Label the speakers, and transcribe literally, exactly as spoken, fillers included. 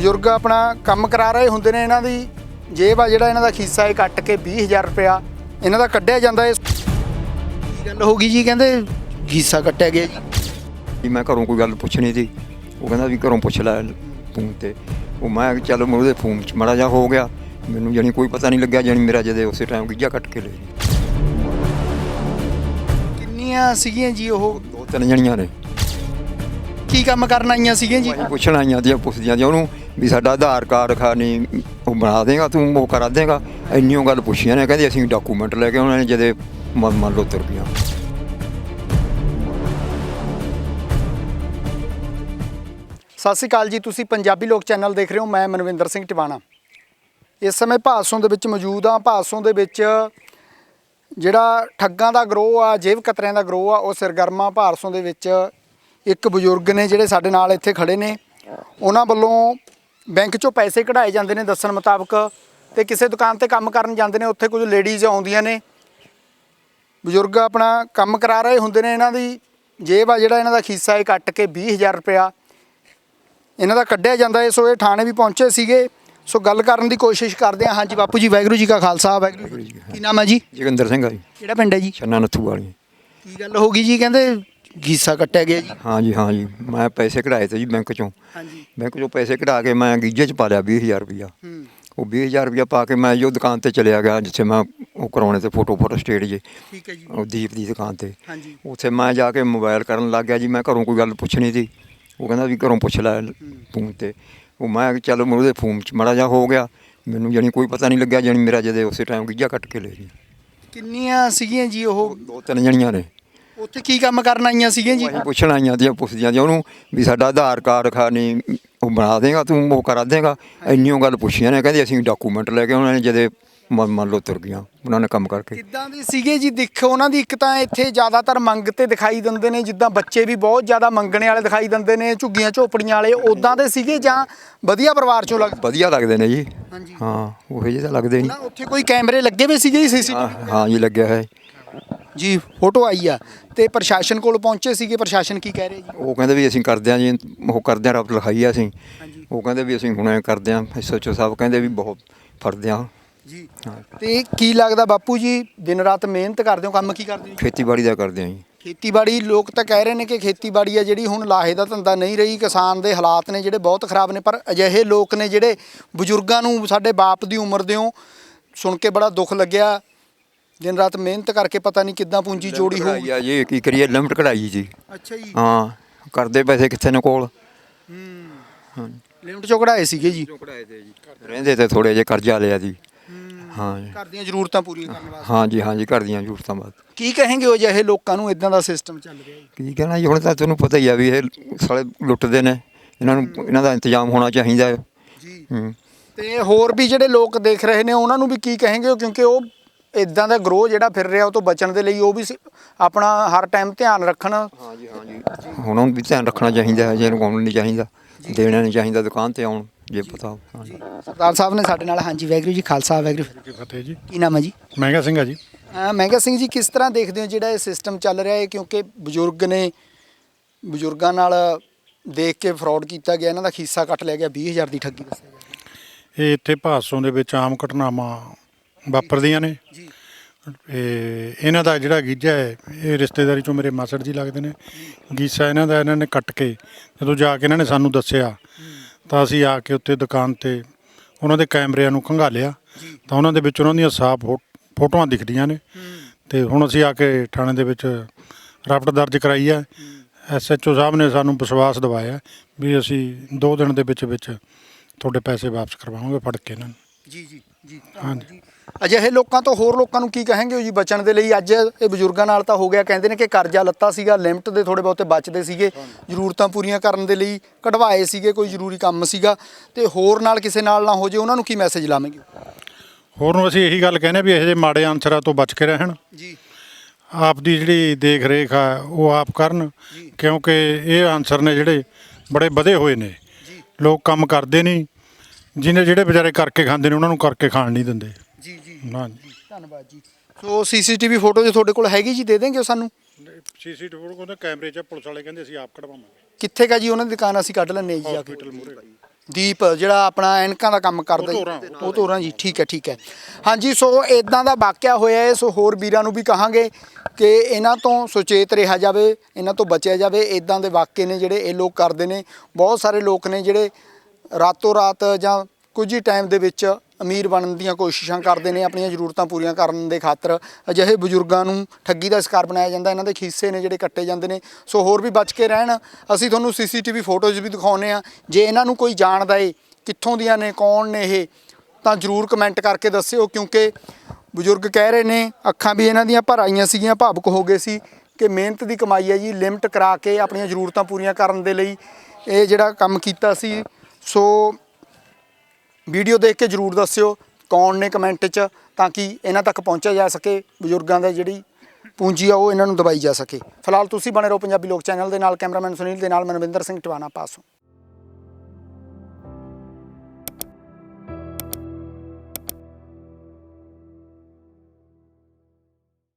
Speaker 1: ਬਜ਼ੁਰਗ ਆਪਣਾ ਕੰਮ ਕਰਾ ਰਹੇ ਹੁੰਦੇ ਨੇ, ਇਹਨਾਂ ਦੀ ਜੇਬ ਆ ਜਿਹੜਾ ਇਹਨਾਂ ਦਾ ਖੀਸਾ ਇਹ ਕੱਟ ਕੇ ਵੀਹ ਹਜ਼ਾਰ ਰੁਪਇਆ ਇਹਨਾਂ ਦਾ ਕੱਢਿਆ ਜਾਂਦਾ ਹੈ। ਕੀ ਗੱਲ ਹੋ ਗਈ ਜੀ? ਕਹਿੰਦੇ ਖੀਸਾ ਕੱਟਿਆ ਗਿਆ ਜੀ।
Speaker 2: ਮੈਂ ਘਰੋਂ ਕੋਈ ਗੱਲ ਪੁੱਛਣੀ ਸੀ, ਉਹ ਕਹਿੰਦਾ ਵੀ ਘਰੋਂ ਪੁੱਛ ਲੈ ਫੋਨ ਤੇ। ਉਹ ਮੈਂ ਚੱਲ ਮੈਂ ਉਹਦੇ ਫੋਨ 'ਚ ਮਾੜਾ ਜਿਹਾ ਹੋ ਗਿਆ, ਮੈਨੂੰ ਜਾਣੀ ਕੋਈ ਪਤਾ ਨਹੀਂ ਲੱਗਿਆ, ਜਾਣੀ ਮੇਰਾ ਜਦੇ ਉਸੇ ਟਾਈਮ ਗਿੱਜਾ ਕੱਟ ਕੇ ਲੈ ਜੀ।
Speaker 1: ਕਿੰਨੀਆਂ ਸੀਗੀਆਂ ਜੀ ਉਹ?
Speaker 2: ਦੋ ਤਿੰਨ ਜਣੀਆਂ ਨੇ।
Speaker 1: ਕੀ ਕੰਮ ਕਰਨ ਆਈਆਂ ਸੀਗੀਆਂ ਜੀ?
Speaker 2: ਪੁੱਛਣ ਆਈਆਂ ਦੀਆਂ, ਪੁੱਛਦੀਆਂ ਜੀ ਉਹਨੂੰ ਵੀ ਸਾਡਾ ਆਧਾਰ ਕਾਰਡ ਖਾਨੀ ਉਹ ਬਣਾ ਦੇਗਾ, ਤੂੰ ਉਹ ਕਰਾ ਦੇਗਾ। ਇੰਨੀਓ ਗੱਲ ਪੁੱਛੀਆਂ ਨੇ, ਕਹਿੰਦੇ ਅਸੀਂ ਡਾਕੂਮੈਂਟ ਲੈ ਕੇ ਉਹਨਾਂ ਨੇ ਜਦੇ ਮੰਨ ਮੰਨ ਲਓ ਤੁਰ ਗਈਆਂ।
Speaker 1: ਸਤਿ ਸ਼੍ਰੀ ਅਕਾਲ ਜੀ, ਤੁਸੀਂ ਪੰਜਾਬੀ ਲੋਕ ਚੈਨਲ ਦੇਖ ਰਹੇ ਹੋ। ਮੈਂ ਮਨਵਿੰਦਰ ਸਿੰਘ ਟਿਵਾਣਾ ਇਸ ਸਮੇਂ ਭਾਦਸੋਂ ਦੇ ਵਿੱਚ ਮੌਜੂਦ ਹਾਂ। ਭਾਦਸੋਂ ਦੇ ਵਿੱਚ ਜਿਹੜਾ ਠੱਗਾਂ ਦਾ ਗਰੋਹ ਆ, ਜੇਬ ਕਤਰਿਆਂ ਦਾ ਗਰੋਹ ਆ, ਉਹ ਸਰਗਰਮਾ। ਭਾਦਸੋਂ ਦੇ ਵਿੱਚ ਇੱਕ ਬਜ਼ੁਰਗ ਨੇ ਜਿਹੜੇ ਸਾਡੇ ਨਾਲ ਇੱਥੇ ਖੜੇ ਨੇ, ਉਹਨਾਂ ਵੱਲੋਂ ਬੈਂਕ 'ਚੋਂ ਪੈਸੇ ਕਢਾਏ ਜਾਂਦੇ ਨੇ ਦੱਸਣ ਮੁਤਾਬਕ, ਤੇ ਕਿਸੇ ਦੁਕਾਨ ਤੇ ਕੰਮ ਕਰਨ ਜਾਂਦੇ ਨੇ, ਉੱਥੇ ਕੁਝ ਲੇਡੀਜ਼ ਆਉਂਦੀਆਂ ਨੇ। ਬਜ਼ੁਰਗ ਆਪਣਾ ਕੰਮ ਕਰਾ ਰਹੇ ਹੁੰਦੇ ਨੇ, ਇਹਨਾਂ ਦੀ ਜੇਬ ਆ ਜਿਹੜਾ ਇਹਨਾਂ ਦਾ ਖੀਸਾ ਇਹ ਕੱਟ ਕੇ ਵੀਹ ਹਜ਼ਾਰ ਰੁਪਇਆ ਇਹਨਾਂ ਦਾ ਕੱਢਿਆ ਜਾਂਦਾ ਹੈ। ਸੋ ਇਹ ਥਾਣੇ ਵੀ ਪਹੁੰਚੇ ਸੀਗੇ, ਸੋ ਗੱਲ ਕਰਨ ਦੀ ਕੋਸ਼ਿਸ਼ ਕਰਦੇ ਹਾਂ। ਹਾਂਜੀ ਬਾਪੂ ਜੀ, ਵਾਹਿਗੁਰੂ ਜੀ ਕਾ ਖਾਲਸਾ ਵਾਹਿਗੁਰੂ ਜੀ। ਕੀ ਨਾਮ ਹੈ ਜੀ?
Speaker 2: ਜੋਗਿੰਦਰ ਸਿੰਘ ਆ ਜੀ।
Speaker 1: ਕਿਹੜਾ ਪਿੰਡ ਹੈ ਜੀ?
Speaker 2: ਛੰਨਾ ਨੱਥੂ ਵਾਲੀ।
Speaker 1: ਕੀ ਗੱਲ ਹੋ ਗਈ ਜੀ? ਕਹਿੰਦੇ ਗੀਸਾ ਕੱਟਿਆ ਗਿਆ ਜੀ।
Speaker 2: ਹਾਂ ਜੀ ਹਾਂ ਜੀ, ਮੈਂ ਪੈਸੇ ਕਢਾਏ ਤੇ ਜੀ ਬੈਂਕ 'ਚੋਂ।
Speaker 1: ਹਾਂਜੀ।
Speaker 2: ਬੈਂਕ 'ਚੋਂ ਪੈਸੇ ਕਢਾ ਕੇ ਮੈਂ ਗੀਜੇ 'ਚ ਪਾ ਲਿਆ ਵੀਹ ਹਜ਼ਾਰ ਰੁਪਈਆ। ਉਹ ਵੀਹ ਹਜ਼ਾਰ ਰੁਪਈਆ ਪਾ ਕੇ ਮੈਂ ਜੋ ਦੁਕਾਨ ਤੇ ਚਲਿਆ ਗਿਆ ਜਿੱਥੇ ਮੈਂ ਉਹ ਕਰਾਉਣੇ ਤੇ ਫੋਟੋ ਫੋਟੋ ਸਟੇਟ ਜੇ।
Speaker 1: ਠੀਕ ਹੈ ਜੀ।
Speaker 2: ਉਹ ਦੀਪ ਦੀ ਦੁਕਾਨ ਤੇ।
Speaker 1: ਹਾਂਜੀ।
Speaker 2: ਉੱਥੇ ਮੈਂ ਜਾ ਕੇ ਮੋਬਾਈਲ ਕਰਨ ਲੱਗ ਗਿਆ ਜੀ। ਮੈਂ ਘਰੋਂ ਕੋਈ ਗੱਲ ਪੁੱਛਣੀ ਸੀ, ਉਹ ਕਹਿੰਦਾ ਵੀ ਘਰੋਂ ਪੁੱਛ ਲੈ ਫੋਨ ਤੇ। ਉਹ ਮੈਂ ਚੱਲ ਮੈਂ ਉਹਦੇ ਫੋਨ 'ਚ ਮਾੜਾ ਜਿਹਾ ਹੋ ਗਿਆ, ਮੈਨੂੰ ਜਾਣੀ ਕੋਈ ਪਤਾ ਨਹੀਂ ਲੱਗਿਆ, ਜਾਣੀ ਮੇਰਾ ਜਦੇ ਉਸੇ ਟਾਈਮ ਗਿੱਜਾ ਕੱਟ ਕੇ ਲੈ ਜੀ।
Speaker 1: ਕਿੰਨੀਆਂ ਸੀਗੀਆਂ ਜੀ ਉਹ?
Speaker 2: ਦੋ ਤਿੰਨ ਜਣੀਆਂ ਨੇ।
Speaker 1: ਉੱਥੇ ਕੀ ਕੰਮ ਕਰਨ ਆਈਆਂ ਸੀਗੀਆਂ ਜੀ?
Speaker 2: ਪੁੱਛਣ ਆਈਆਂ ਦੀਆਂ, ਪੁੱਛਦੀਆਂ ਜੀ ਉਹਨੂੰ ਵੀ ਸਾਡਾ ਆਧਾਰ ਕਾਰਡ ਖਾਨੀ ਉਹ ਬਣਾ ਦੇਗਾ, ਤੂੰ ਉਹ ਕਰਾ ਦੇਗਾ। ਇੰਨੀਓ ਗੱਲ ਪੁੱਛੀਆਂ ਨੇ, ਕਹਿੰਦੇ ਅਸੀਂ ਡਾਕੂਮੈਂਟ ਲੈ ਕੇ ਉਹਨਾਂ ਨੇ ਜਦੇ ਮੰਨ ਮੰਨ ਲਓ ਤੁਰ ਗਈਆਂ, ਉਹਨਾਂ ਨੇ ਕੰਮ ਕਰਕੇ।
Speaker 1: ਕਿੱਦਾਂ ਦੇ ਸੀਗੇ ਜੀ? ਦਿਖ ਉਹਨਾਂ ਦੀ ਇੱਕ ਤਾਂ ਇੱਥੇ ਜ਼ਿਆਦਾਤਰ ਮੰਗ ਤੇ ਦਿਖਾਈ ਦਿੰਦੇ ਨੇ, ਜਿੱਦਾਂ ਬੱਚੇ ਵੀ ਬਹੁਤ ਜ਼ਿਆਦਾ ਮੰਗਣੇ ਵਾਲੇ ਦਿਖਾਈ ਦਿੰਦੇ ਨੇ, ਝੁੱਗੀਆਂ ਝੋਪੜੀਆਂ ਵਾਲੇ। ਉੱਦਾਂ ਦੇ ਸੀਗੇ ਜਾਂ ਵਧੀਆ ਪਰਿਵਾਰ ਚੋਂ ਲੱਗ?
Speaker 2: ਵਧੀਆ ਲੱਗਦੇ ਨੇ ਜੀ।
Speaker 1: ਹਾਂਜੀ।
Speaker 2: ਹਾਂ ਉਹ ਜਿਹੇ ਤਾਂ ਲੱਗਦੇ ਨਹੀਂ।
Speaker 1: ਉੱਥੇ ਕੋਈ ਕੈਮਰੇ ਲੱਗੇ ਹੋਏ ਸੀਗੇ ਜੀ? ਸੀਸੀਟੀਵੀ?
Speaker 2: ਹਾਂ ਜੀ ਲੱਗਿਆ ਹੈ
Speaker 1: ਜੀ, ਫੋਟੋ ਆਈ ਆ। ਤੇ ਪ੍ਰਸ਼ਾਸਨ ਕੋਲ ਪਹੁੰਚੇ ਸੀਗੇ, ਪ੍ਰਸ਼ਾਸਨ ਕੀ ਕਹਿ ਰਿਹਾ ਜੀ?
Speaker 2: ਉਹ ਕਹਿੰਦੇ ਵੀ ਅਸੀਂ ਕਰਦੇ ਹਾਂ ਜੀ, ਉਹ ਕਰਦੇ ਹਾਂ, ਰੱਬ ਲਿਖਾਈ ਆ ਅਸੀਂ। ਉਹ ਕਹਿੰਦੇ ਵੀ ਅਸੀਂ ਹੁਣੇ ਕਰਦੇ ਹਾਂ। ਐਸ ਐਚ ਓ ਸਾਹਿਬ ਕਹਿੰਦੇ ਵੀ ਬਹੁਤ ਫੜਦੇ ਹਾਂ
Speaker 1: ਜੀ। ਤੇ ਕੀ ਲੱਗਦਾ ਬਾਪੂ ਜੀ, ਦਿਨ ਰਾਤ ਮਿਹਨਤ ਕਰਦੇ ਹੋ, ਕੰਮ ਕੀ ਕਰਦੇ ਹੋ?
Speaker 2: ਖੇਤੀਬਾੜੀ ਦਾ ਕਰਦੇ ਹਾਂ ਜੀ।
Speaker 1: ਖੇਤੀਬਾੜੀ ਲੋਕ ਤਾਂ ਕਹਿ ਰਹੇ ਨੇ ਕਿ ਖੇਤੀਬਾੜੀ ਆ ਜਿਹੜੀ ਹੁਣ ਲਾਹੇ ਦਾ ਧੰਦਾ ਨਹੀਂ ਰਹੀ, ਕਿਸਾਨ ਦੇ ਹਾਲਾਤ ਨੇ ਜਿਹੜੇ ਬਹੁਤ ਖਰਾਬ ਨੇ। ਪਰ ਅਜਿਹੇ ਲੋਕ ਨੇ ਜਿਹੜੇ ਬਜ਼ੁਰਗਾਂ ਨੂੰ, ਸਾਡੇ ਬਾਪ ਦੀ ਉਮਰ ਦੇ ਹੋ, ਸੁਣ ਕੇ ਬੜਾ ਦੁੱਖ ਲੱਗਿਆ। ਦਿਨ ਰਾਤ ਮਿਹਨਤ ਕਰਕੇ ਪਤਾ ਨਹੀਂ ਕਿੱਦਾਂ ਪੂੰਜੀ ਜੋੜੀ ਹੋਈ
Speaker 2: ਆ ਜੀ। ਕੀ ਕਰੀਏ, ਲਿਮਟ ਕਢਾਈ ਜੀ।
Speaker 1: ਅੱਛਾ ਜੀ।
Speaker 2: ਹਾਂ, ਕਰਦੇ ਪੈਸੇ ਕਿੱਥੇ ਨੇ ਕੋਲ।
Speaker 1: ਹੂੰ।
Speaker 2: ਹਾਂ,
Speaker 1: ਲਿਮਟ ਚੋਂ ਕਢਾਏ ਸੀਗੇ ਜੀ।
Speaker 2: ਕਢਾਏ ਤੇ ਜੀ, ਰਹਿੰਦੇ ਤੇ ਥੋੜੇ ਜਿਹੇ ਕਰਜ਼ਾ ਲਿਆ ਜੀ। ਹਾਂ ਜੀ,
Speaker 1: ਘਰ ਦੀਆਂ ਜ਼ਰੂਰਤਾਂ ਪੂਰੀਆਂ ਕਰਨ ਵਾਸਤੇ।
Speaker 2: ਹਾਂ ਜੀ ਹਾਂ ਜੀ, ਘਰ ਦੀਆਂ ਜ਼ਰੂਰਤਾਂ ਬਾਅਦ।
Speaker 1: ਕੀ ਕਹੇਂਗੇ ਉਹ ਜਿਹੇ ਲੋਕਾਂ ਨੂੰ? ਇਦਾਂ ਦਾ ਸਿਸਟਮ ਚੱਲ ਰਿਹਾ ਜੀ।
Speaker 2: ਕੀ ਕਹਿਣਾ ਜੀ, ਹੁਣ ਤਾਂ ਤੁਹਾਨੂੰ ਪਤਾ ਹੀ ਆ ਵੀ ਇਹ ਸਾਲੇ ਲੁੱਟਦੇ ਨੇ, ਇਹਨਾਂ ਨੂੰ ਇਹਨਾਂ ਦਾ ਇੰਤਜ਼ਾਮ ਹੋਣਾ ਚਾਹੀਦਾ ਹੈ
Speaker 1: ਜੀ।
Speaker 2: ਹੂੰ।
Speaker 1: ਤੇ ਹੋਰ ਵੀ ਜਿਹੜੇ ਲੋਕ ਦੇਖ ਰਹੇ ਨੇ ਉਹਨਾਂ ਨੂੰ ਵੀ ਕੀ ਕਹੇਂਗੇ? ਕਿਉਂਕਿ ਉਹ ਇੱਦਾਂ ਦਾ ਗਰੋਹ ਜਿਹੜਾ ਫਿਰ ਰਿਹਾ, ਉਹ ਤੋਂ ਬਚਣ ਦੇ ਲਈ ਉਹ ਵੀ ਆਪਣਾ ਹਰ ਟਾਈਮ ਧਿਆਨ ਰੱਖਣ।
Speaker 2: ਹਾਂ ਜੀ ਹਾਂ ਜੀ, ਹੁਣ ਉਹਨੂੰ ਵੀ ਧਿਆਨ ਰੱਖਣਾ ਚਾਹੀਦਾ ਹੈ। ਜੇ ਰੁਕਾਉਣਾ ਨਹੀਂ ਚਾਹੀਦਾ, ਦੇਣਾ ਨਹੀਂ ਚਾਹੀਦਾ ਦੁਕਾਨ ਤੇ ਆਉਣ, ਜੇ ਪਤਾ। ਹਾਂ ਜੀ,
Speaker 1: ਸਰਦਾਰ ਸਾਹਿਬ ਨੇ ਸਾਡੇ ਨਾਲ। ਹਾਂਜੀ, ਵਾਹਿਗੁਰੂ ਜੀ ਖਾਲਸਾ ਵਾਹਿਗੁਰੂ
Speaker 3: ਜੀ ਫਤਿਹ ਜੀ।
Speaker 1: ਕੀ ਨਾਮ ਹੈ ਜੀ?
Speaker 3: ਮਹਿੰਗਾ ਸਿੰਘ ਆ ਜੀ।
Speaker 1: ਮਹਿੰਗਾ ਸਿੰਘ ਜੀ, ਕਿਸ ਤਰ੍ਹਾਂ ਦੇਖਦੇ ਹੋ ਜਿਹੜਾ ਇਹ ਸਿਸਟਮ ਚੱਲ ਰਿਹਾ ਹੈ? ਕਿਉਂਕਿ ਬਜ਼ੁਰਗ ਨੇ, ਬਜ਼ੁਰਗਾਂ ਨਾਲ ਦੇਖ ਕੇ ਫਰਾਡ ਕੀਤਾ ਗਿਆ, ਇਹਨਾਂ ਦਾ ਖੀਸਾ ਕੱਟ ਲਿਆ ਗਿਆ, ਵੀਹ ਹਜ਼ਾਰ ਦੀ ਠੱਗੀ ਦੱਸਿਆ ਗਿਆ।
Speaker 3: ਇਹ ਇੱਥੇ ਭਾਦਸੋਂ ਦੇ ਵਿੱਚ ਆਮ ਘਟਨਾਵਾਂ ਵਾਪਰਦੀਆਂ ਨੇ ਜੀ। ਇਹ ਇਹਨਾਂ ਦਾ ਜਿਹੜਾ ਗੀਜਾ ਹੈ, ਇਹ ਰਿਸ਼ਤੇਦਾਰੀ ਚੋਂ ਮੇਰੇ ਮਾਸੜ ਜੀ ਲੱਗਦੇ ਨੇ। ਗੀਸਾ ਇਹਨਾਂ ਦਾ ਇਹਨਾਂ ਨੇ ਕੱਟ ਕੇ, ਜਦੋਂ ਜਾ ਕੇ ਇਹਨਾਂ ਨੇ ਸਾਨੂੰ ਦੱਸਿਆ ਤਾਂ ਅਸੀਂ ਆ ਕੇ ਉੱਤੇ ਦੁਕਾਨ 'ਤੇ ਉਹਨਾਂ ਦੇ ਕੈਮਰਿਆਂ ਨੂੰ ਖੰਗਾਲਿਆ ਤਾਂ ਉਹਨਾਂ ਦੇ ਵਿੱਚ ਉਹਨਾਂ ਦੀਆਂ ਸਾਫ਼ ਫੋ ਫੋਟੋਆਂ ਦਿਖਦੀਆਂ ਨੇ। ਅਤੇ ਹੁਣ ਅਸੀਂ ਆ ਕੇ ਥਾਣੇ ਦੇ ਵਿੱਚ ਰਿਪੋਰਟ ਦਰਜ ਕਰਾਈ ਹੈ। ਐਸ ਐਚ ਓ ਸਾਹਿਬ ਨੇ ਸਾਨੂੰ ਵਿਸ਼ਵਾਸ ਦਿਵਾਇਆ ਵੀ ਅਸੀਂ ਦੋ ਦਿਨ ਦੇ ਵਿੱਚ ਵਿੱਚ ਤੁਹਾਡੇ ਪੈਸੇ ਵਾਪਸ ਕਰਵਾਵਾਂਗੇ ਫੜ ਕੇ ਇਹਨਾਂ ਨੂੰ।
Speaker 1: ਜੀ ਜੀ ਜੀ।
Speaker 3: ਹਾਂਜੀ।
Speaker 1: ਅਜਿਹੇ ਲੋਕਾਂ ਤੋਂ ਹੋਰ ਲੋਕਾਂ ਨੂੰ ਕੀ ਕਹਾਂਗੇ ਜੀ ਬਚਣ ਦੇ ਲਈ? ਅੱਜ ਇਹ ਬਜ਼ੁਰਗਾਂ ਨਾਲ ਤਾਂ ਹੋ ਗਿਆ, ਕਹਿੰਦੇ ਨੇ ਕਿ ਕਰਜ਼ਾ ਲੱਤਾ ਸੀਗਾ, ਲਿਮਟ ਦੇ ਥੋੜ੍ਹੇ ਬਹੁਤੇ ਬਚਦੇ ਸੀਗੇ, ਜ਼ਰੂਰਤਾਂ ਪੂਰੀਆਂ ਕਰਨ ਦੇ ਲਈ ਕਢਵਾਏ ਸੀਗੇ, ਕੋਈ ਜ਼ਰੂਰੀ ਕੰਮ ਸੀਗਾ, ਤੇ ਹੋਰ ਨਾਲ ਕਿਸੇ ਨਾਲ ਨਾ ਹੋ ਜੇ, ਉਹਨਾਂ ਨੂੰ ਕੀ ਮੈਸੇਜ ਲਾਵਾਂਗੇ?
Speaker 3: ਹੋਰ ਨੂੰ ਅਸੀਂ ਇਹੀ ਗੱਲ ਕਹਿੰਦੇ ਵੀ ਇਹੋ ਜਿਹੇ ਮਾੜੇ ਅਨਸਰਾਂ ਤੋਂ ਬਚ ਕੇ ਰਹਿਣ
Speaker 1: ਜੀ।
Speaker 3: ਆਪ ਦੀ ਜਿਹੜੀ ਦੇਖ ਰੇਖ ਆ ਉਹ ਆਪ ਕਰਨ, ਕਿਉਂਕਿ ਇਹ ਅਨਸਰ ਨੇ ਜਿਹੜੇ ਬੜੇ ਵਧੇ ਹੋਏ ਨੇ। ਲੋਕ ਕੰਮ ਕਰਦੇ ਨਹੀਂ, ਜਿਹਨੇ ਜਿਹੜੇ ਵਿਚਾਰੇ ਕਰਕੇ ਖਾਂਦੇ ਨੇ ਉਹਨਾਂ ਨੂੰ ਕਰਕੇ ਖਾਣ ਨਹੀਂ ਦਿੰਦੇ।
Speaker 1: ਜੀ ਜੀ
Speaker 3: ਹਾਂ
Speaker 1: ਜੀ, ਧੰਨਵਾਦ ਜੀ। ਸੋ ਸੀਸੀਟੀਵੀ ਫੋਟੋ ਜੇ ਤੁਹਾਡੇ ਕੋਲ ਹੈਗੀ ਜੀ, ਦੇ ਦੇਂਗੇ ਸਾਨੂੰ?
Speaker 3: ਸੀਸੀਟੀਵੀ ਫੋਟੋ ਕਹਿੰਦੇ ਕੈਮਰੇ 'ਚ ਪੁਲਿਸ ਵਾਲੇ ਕਹਿੰਦੇ ਅਸੀਂ ਆਪ ਕਢਵਾਵਾਂਗੇ।
Speaker 1: ਕਿੱਥੇ ਕਾ ਜੀ ਉਹਨਾਂ ਦੀ ਦੁਕਾਨ? ਅਸੀਂ ਕੱਢ ਲੈਂਦੇ ਜੀ ਜਾ ਕੇ। ਦੀਪ ਜਿਹੜਾ ਆਪਣਾ ਐਨਕਾਂ ਦਾ ਕੰਮ ਕਰਦਾ ਜੀ ਉਹ ਤੋਰਾਂ ਜੀ ਠੀਕ ਹੈ ਠੀਕ ਹੈ ਹਾਂਜੀ ਸੋ ਇਦਾਂ ਦਾ ਵਾਕਿਆ ਹੋਇਆ ਹੈ ਸੋ ਹੋਰ ਵੀਰਾਂ ਨੂੰ ਵੀ ਕਹਾਂਗੇ ਕਿ ਇਹਨਾਂ ਤੋਂ ਸੁਚੇਤ ਰਿਹਾ ਜਾਵੇ ਇਹਨਾਂ ਤੋਂ ਬਚਿਆ ਜਾਵੇ ਇਦਾਂ ਦੇ ਵਾਕਿਏ ਨੇ ਜਿਹੜੇ ਇਹ ਲੋਕ ਕਰਦੇ ਨੇ ਬਹੁਤ ਸਾਰੇ ਲੋਕ ਨੇ ਜਿਹੜੇ ਰਾਤੋਂ ਰਾਤ ਜਾਂ ਕੁਝ ਹੀ ਟਾਈਮ ਦੇ ਵਿੱਚ ਅਮੀਰ ਬਣਨ ਦੀਆਂ ਕੋਸ਼ਿਸ਼ਾਂ ਕਰਦੇ ਨੇ ਆਪਣੀਆਂ ਜ਼ਰੂਰਤਾਂ ਪੂਰੀਆਂ ਕਰਨ ਦੇ ਖਾਤਰ ਅਜਿਹੇ ਬਜ਼ੁਰਗਾਂ ਨੂੰ ਠੱਗੀ ਦਾ ਸ਼ਿਕਾਰ ਬਣਾਇਆ ਜਾਂਦਾ ਇਹਨਾਂ ਦੇ ਖੀਸੇ ਨੇ ਜਿਹੜੇ ਕੱਟੇ ਜਾਂਦੇ ਨੇ ਸੋ ਹੋਰ ਵੀ ਬਚ ਕੇ ਰਹਿਣ ਅਸੀਂ ਤੁਹਾਨੂੰ ਸੀਸੀਟੀਵੀ ਫੋਟੋਜ਼ ਵੀ ਦਿਖਾਉਂਦੇ ਆ ਜੇ ਇਹਨਾਂ ਨੂੰ ਕੋਈ ਜਾਣਦਾ ਏ ਕਿੱਥੋਂ ਦੀਆਂ ਨੇ ਕੌਣ ਨੇ ਇਹ ਤਾਂ ਜ਼ਰੂਰ ਕਮੈਂਟ ਕਰਕੇ ਦੱਸਿਓ ਕਿਉਂਕਿ ਬਜ਼ੁਰਗ ਕਹਿ ਰਹੇ ਨੇ ਅੱਖਾਂ ਵੀ ਇਹਨਾਂ ਦੀਆਂ ਭਰ ਆਈਆਂ ਸੀਗੀਆਂ ਭਾਵੁਕ ਹੋ ਗਏ ਸੀ ਕਿ ਮਿਹਨਤ ਦੀ ਕਮਾਈ ਹੈ ਜੀ ਲਿਮਟ ਕਰਾ ਕੇ ਆਪਣੀਆਂ ਜ਼ਰੂਰਤਾਂ ਪੂਰੀਆਂ ਕਰਨ ਦੇ ਲਈ ਇਹ ਜਿਹੜਾ ਕੰਮ ਕੀਤਾ ਸੀ ਸੋ ਵੀਡੀਓ ਦੇਖ ਕੇ ਜ਼ਰੂਰ ਦੱਸਿਓ ਕੌਣ ਨੇ ਕਮੈਂਟ 'ਚ ਤਾਂ ਕਿ ਇਹਨਾਂ ਤੱਕ ਪਹੁੰਚਿਆ ਜਾ ਸਕੇ ਬਜ਼ੁਰਗਾਂ ਦਾ ਜਿਹੜੀ ਪੂੰਜੀ ਆ ਉਹ ਇਹਨਾਂ ਨੂੰ ਦਵਾਈ ਜਾ ਸਕੇ ਫਿਲਹਾਲ ਤੁਸੀਂ ਬਣੇ ਰਹੋ ਪੰਜਾਬੀ ਲੋਕ ਚੈਨਲ ਦੇ ਨਾਲ ਕੈਮਰਾਮੈਨ ਸੁਨੀਲ ਦੇ ਨਾਲ ਮਨਵਿੰਦਰ ਸਿੰਘ ਟਿਵਾਣਾ ਪਾਸੋਂ।